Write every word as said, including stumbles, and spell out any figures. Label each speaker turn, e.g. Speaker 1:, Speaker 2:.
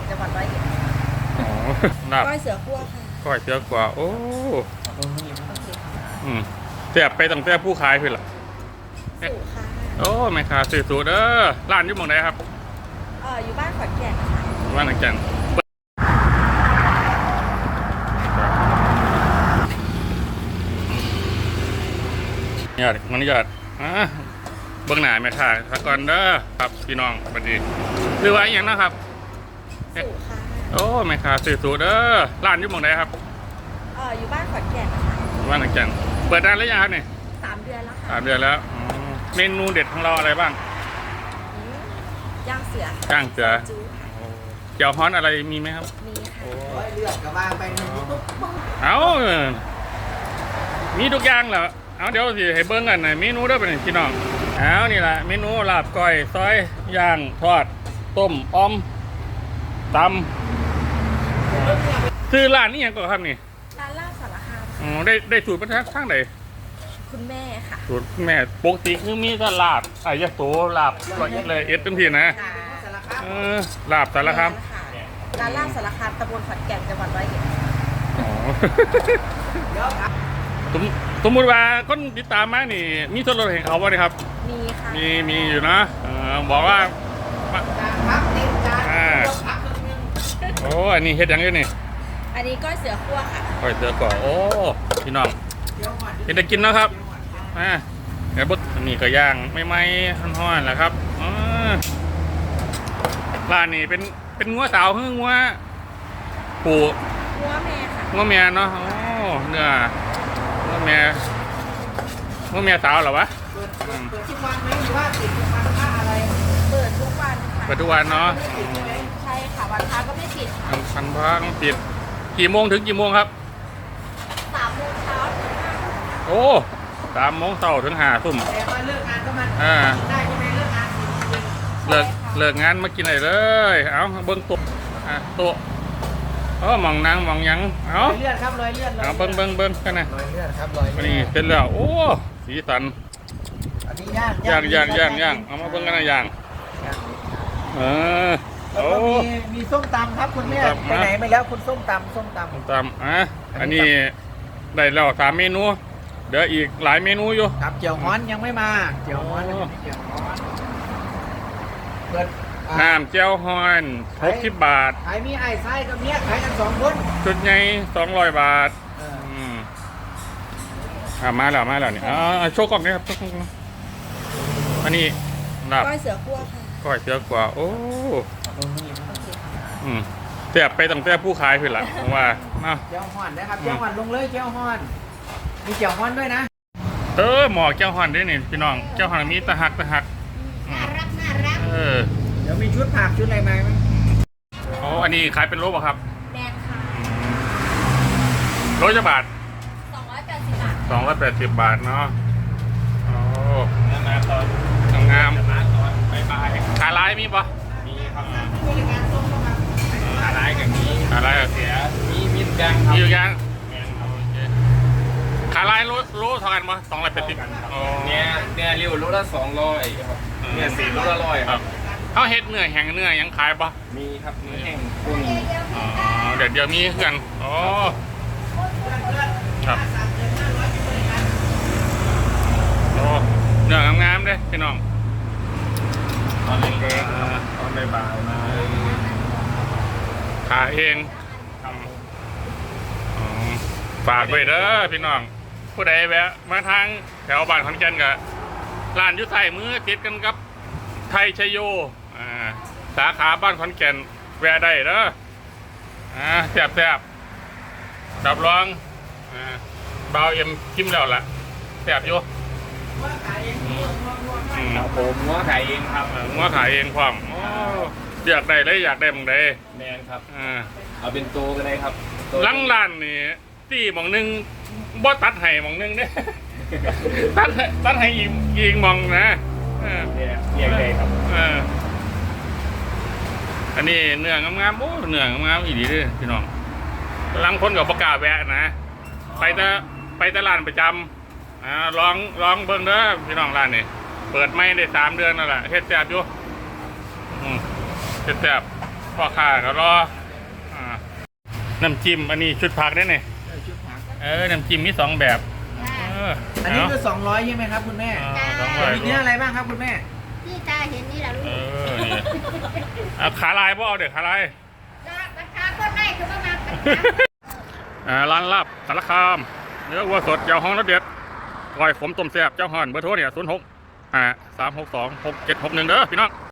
Speaker 1: จังหวัดร้อยเอ็ด
Speaker 2: อ๋อลาบ
Speaker 1: ก้อยเสือขั้วค่ะ
Speaker 2: ก้อยเสือกว่าโอ้
Speaker 1: โอเคค่ะ
Speaker 2: อืมแซ่บไปตั้งแต่ผู้ขายเพิ่นล่ะ
Speaker 1: สู่ค่ะ
Speaker 2: โอ้แม่ค้าซื้อสูตรเด้อร้านอยู่หม้องใดครับ
Speaker 1: เอออยู่บ้านขอนแก่นค่ะ
Speaker 2: บ้านขอนแก่นยอดมันยอดอ่ะเบื้องหน้าแม่ค้าสะก่อนเด้อครับพี่น้องสวัสดีคือว่าอหย่างนะครับ
Speaker 1: สู่ค่ะ
Speaker 2: โอ้แม่ค้าซื้อสูตรเด้อร้านอยู่หม้องใดครับ
Speaker 1: เอออยู่บ้านขอนแก่นค่ะ
Speaker 2: บ้านขอนแก่นเปิดนานแล้วยังครับเนี่ย
Speaker 1: สามเดือนแล้วค่ะ
Speaker 2: สามเดือนแล้วอ๋อเมนูเด็ดของเราอะไรบ้าง
Speaker 1: ย่างเสื
Speaker 2: อย่างเสือ
Speaker 1: จูค่ะ
Speaker 2: เจียวฮ้อนอะไรมีไหมครับ
Speaker 1: มีค่ะ
Speaker 3: เลือดกับวางไปหนึ่งตุ๊บ
Speaker 2: เอามีทุกอย่างเหรอเอาเดี๋ยวสิให้เบิ้งกันหน่อยเมนูเด้อเป็นพี่น้องเอานี่แหละเมนูลาบก้อยซอยย่างทอดต้มอ้อมตำคือร้านนี้ยังก่อนครับนี่
Speaker 1: ร้านลาบสารคาม
Speaker 2: อ๋อได้ได้สูตรมาทางไหน
Speaker 1: คุณแม่ค่ะ
Speaker 2: สูตรแม่ปกติคือมีแต่ลาบไอ้ยะโสลาบร้อยเอ็ดเลยเอ็ดเต็มที่นะเออลาบสารคาม
Speaker 1: ร้านลาบสารคามตำบลขอนแก่นจังหวัดร้อยเอ็ด
Speaker 2: อ๋อสมสมมติว่าคนติดตามมานี่มีส่วนลดให้เขาบ่ได้ครับ
Speaker 1: มีค่ะ
Speaker 2: มีมีอยู่นะเออบอกว่า
Speaker 3: พักติดจานพักครึ่งนึง
Speaker 2: โอ้อันนี้เฮ็ดยังอยู่นี่
Speaker 1: อันนี้ก้อยเสือขั้วค่ะ
Speaker 2: ก้อยเสือก่อโอ้พี่น้องเป็นได้กินนะครับอ่าเดี๋ยวบึกนี่ก็ย่างไม่ไหม้ฮ้อนๆแหละครับอ๋อร้านนี้เป็นเป็นงัวสาวคืองัวปู
Speaker 1: งัวแม่ค่ะ
Speaker 2: งัวแม่เนาะโอ้เนื้องัวแม่งัวแม่สาวเหรอวะ
Speaker 3: เปิดเปิดทุกวันไหมหรือว่าติดทุกวันค่าอะไร
Speaker 1: เปิดทุกวันค่ะ
Speaker 2: เปิดทุกวันเนาะ
Speaker 1: ใช่ค่ะวันพระก็ไม่ปิด
Speaker 2: วันพันพระก็ปิดกี่โมงถึงกี่โมงครับ
Speaker 1: สามโมงเช้าถึงห้า
Speaker 2: โอ้สามโมงเช้าถึงห้าทุ่ม
Speaker 3: แต่ว่าเลิกงานก็มัน
Speaker 2: อ่า
Speaker 3: ได้ใช่ไหมเลิกงาน
Speaker 2: เลิกเลิกงานมากินอะไรเลยเอาเบิ้งโต๊ะอ่ะโต๊ะเออมองนางมองยังเอา
Speaker 3: รอยเลือดครับรอยเลือด
Speaker 2: เอาเบิ้งเบิ้งเบิ้งกันนะ
Speaker 3: รอยเลือดครับรอยเลือด
Speaker 2: นี่เป็นแล้วโอ้สีสัน
Speaker 3: อันนี้ย่าง
Speaker 2: ย่างย่างย่างย่างเอามาเบิ้งกันนะย่างเออ
Speaker 3: แล้วก็มีมีส้มตำครับคุณแม่ไปไหนไปแล้วคุณส้มตำส้มตำ
Speaker 2: ส้มตำอ่ะอันนี้ได้แล้วสามเมนูเดี๋ยวอีกหลายเมนูอยู่
Speaker 3: ครับเจียวฮ้อนยังไม่มาเจียวฮ้อนยังไม่เจียวฮ้อนเปิด
Speaker 2: น้ำเจียวฮ้อนหกสิบบาท
Speaker 3: ขายมีไอ้ไส้กับเมียขายกันสองคน
Speaker 2: ชุดใหญ่สองร้อยบาทอืมอ่ามาแล้วมาแล้วนี่อ่าโชว์กล่องนี่ครับโชว์กล่องอันนี้ลาบ
Speaker 1: ก้อยเสือขั้วค่ะ
Speaker 2: ก้อยเสือกว่าโอ้
Speaker 1: โอเคค่ะ
Speaker 2: อืมแซ่บไปตั้งแต่ผู้ขายเพิ่นล่ะผมว่าเนาะ
Speaker 3: เจียวฮ้อนนะครับเจียวฮ้อนลงเลยเจียวฮ้อนมีเจียวฮ้อนด้วยนะ
Speaker 2: เออหมอเจ้าฮ้อนด้วยนี่พี่น้องเจ้าฮ้อนมีตะหักตะหัก
Speaker 1: น่ารักน่ารัก
Speaker 2: เออ
Speaker 3: เดี๋ยวมีชุดผักชุดอะไรไหม
Speaker 2: โอ้อันนี้ขายเป็นโลป่ะครับ
Speaker 1: แมนค่ะ
Speaker 2: โลจะบาท
Speaker 1: สองร้อยแปดสิบบาท
Speaker 2: สองร้อยแปดสิบบาทเนาะโอ้งามตอนงามบายบายขาลายมีปะมีครับ
Speaker 3: ขาลายกับนี้
Speaker 2: ขาลายกับ
Speaker 3: เสียมีมีทุกอย่างครับ
Speaker 2: มีทุกอย่างขาลายโลโลเท่ากันปะสองร้อยแปดสิบ
Speaker 3: เนี่ยเนี่ยริ้วโลละสองร้อยครับเนี่ยสี่โลละร้อยครับ
Speaker 2: เขาเฮ็ดเนื้อแห้งเนื้อยังขายปะ
Speaker 3: มีครับเนื้อแห้งพวกนี้
Speaker 2: อ๋อเดี๋ยวเดี๋ยวมีเพื่อนอ๋อครับโอ้เนื้องามๆเลยพี่น้อง
Speaker 3: ตอนเล็กๆตอนบ่ายๆมา
Speaker 2: ขายเองฝากไว้เด้อพี่น้องผู้ใดแวะมาทางแถวบ้านขอนแก่นกับร้านยุ่ใส่มือติดกันกับไทยชัยโยอ่าสาขาบ้านขอนแก่นแวะได้เด้ออ่าแซ่บแซ่บรับรองอ่าเบาเอ็มชิมแล้วล่ะแซ่บอยู่
Speaker 3: ครับผมงัวขายเองครับ
Speaker 2: งัวขายเองความอยากได้เลยอยากได้มึงได้
Speaker 3: แมนครับ
Speaker 2: อ่า
Speaker 3: เอาเป็นตัวก็ได้ครับ
Speaker 2: ลังร้านนี่ตีหมองนึงบ่ตัดให้หมองนึงเนี่ยตัดตัดให้อีกอีกมองนะ
Speaker 3: เนี่ยเรียกได้ครับ
Speaker 2: อันนี้เนื้องามๆโอ้เนื้องามๆอีดีเลยพี่น้องลังคนกับประกาศแวะนะไปแต่ไปตลาดประจำอ่าลองลองเบิ่งเด้อพี่น้องร้านนี่เปิดไม่ได้สามเดือนนั่นแหละเฮ็ดแซ่บอยู่เฮ็ดแซ่บพ่อค้าก็รออ่าน้ำจิ้มอันนี้ชุดผักได้เนี่ย
Speaker 3: เออชุดผัก
Speaker 2: เออน้ำจิ้มมีสองแบบ
Speaker 1: จ้า
Speaker 2: เออ
Speaker 3: อันนี้คือสองร้อยใช่ไหมครับคุณแม่
Speaker 2: สองร้อย
Speaker 3: มีเนื้ออะไรบ้างครับคุณแม่
Speaker 1: ที่ตาเห็นนี่แหละลู
Speaker 2: เอก อนี่เอาขาลายบ่เอาเด็กขาลาย
Speaker 1: ราคาก็ได้คือประมาณ
Speaker 2: อ่าร้านลาบสารคามเนื้อวัวสดเจ้าห้องรสเด็ดก้อยขมต้มแซ่บเจ้าห่อนเบอร์โทรเนี่ยศูนย์หกอ่าสามหกสองหกเจ็ดหกหนึ่งเด้อพี่น้อง